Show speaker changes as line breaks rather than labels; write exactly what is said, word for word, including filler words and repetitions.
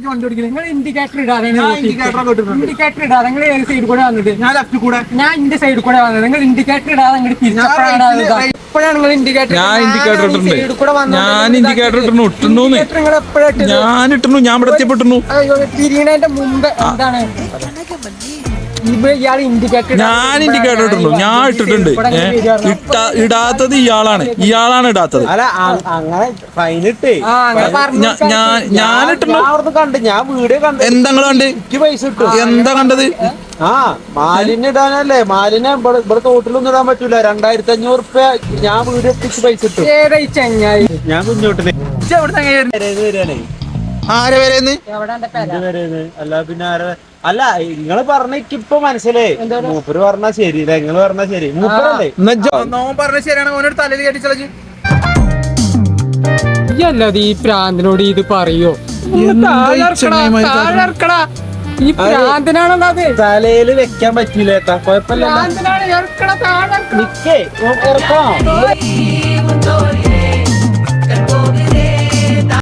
നിങ്ങൾ ഇൻഡിക്കേറ്റർ ഇടാതെ ഇൻഡിക്കേറ്റർ ഇടാതെ നിങ്ങൾ ഏത് സൈഡിൽ കൂടെ വന്നത്?
ഞാൻ ലെഫ്റ്റ് കൂടെ
ഞാൻ ഇന്റെ സൈഡിൽ കൂടെ വന്നത്. നിങ്ങൾ ഇൻഡിക്കേറ്റർ ഇടാതെ അങ്ങോട്ട് തിരിച്ചപ്പോഴാണ് ഇപ്പോഴാണ് നിങ്ങൾ ഇൻഡിക്കേറ്റർ
ഞാൻ ഇൻഡിക്കേറ്റർ ഇട്ടിട്ടുണ്ട്. ഞാൻ ഇൻഡിക്കേറ്റർ ഇട്ടുന്നു ഇട്ടുന്നു
നിങ്ങൾ എപ്പോഴും
ഞാൻ ഇട്ടുന്നു. ഞാൻ ഇവിടെ എത്തിപ്പെട്ടുന്നു.
തിരിയണതിന്റെ മുമ്പ് എന്താണ് ഇയാൾ ഇൻഡിക്കേറ്റർ?
ഞാൻ ഇൻഡിക്കേറ്റർ ഇട്ടിട്ടുണ്ട്. ഞാൻ ഇട്ടിട്ടുണ്ട്. ഇട്ട ഇടാത്തത് ഇയാളാണ്. ഇയാളാണ് ഇടാത്തത്.
അല്ല അങ്ങനെ ഫൈനിട്ടേ
ഞാൻ ഇട്ടിട്ടുണ്ട്.
കണ്ട് ഞാൻ വീഡിയോ കണ്ട്.
എന്താ നിങ്ങൾ കണ്ട്?
എനിക്ക് പൈസ കിട്ടും.
എന്താ കണ്ടത്?
ആ മാലിന്യം ഇടാനല്ലേ? മാലിന്യം ഇവിടെ ഇവിടെ തോട്ടിലൊന്നും ഇടാൻ പറ്റൂല. രണ്ടായിരത്തി അഞ്ഞൂറ് റുപ്യ ഞാൻ വീഡിയോ എത്തിച്ച് പൈസ കിട്ടും. ഞാൻ കുഞ്ഞോട്ടിന് വരാനേ.
ആരെ വരെന്ന്?
അല്ല പിന്നെ ആരെ? അല്ല നിങ്ങള് പറഞ്ഞ ഇപ്പൊ മനസ്സിലായി. മൂപ്പര് പറഞ്ഞാ ശരിയില്ല. നിങ്ങള് പറഞ്ഞാ ശരി. മൂപ്പരല്ലേ
പറഞ്ഞ ശരിയാണ്. ഓനോട് തലയിൽ കെട്ടിച്ചളച്ച്
അല്ലാതെ ഈ പ്രാന്തിനോട് ഇത് പറയോ? ഈ പ്രാന്തനാണോ അത്?
തലയില് വെക്കാൻ പറ്റില്ല. കുഴപ്പമില്ല.
പ്രാന്തനാണ്.
നിക്കേ ഇറക്കാം.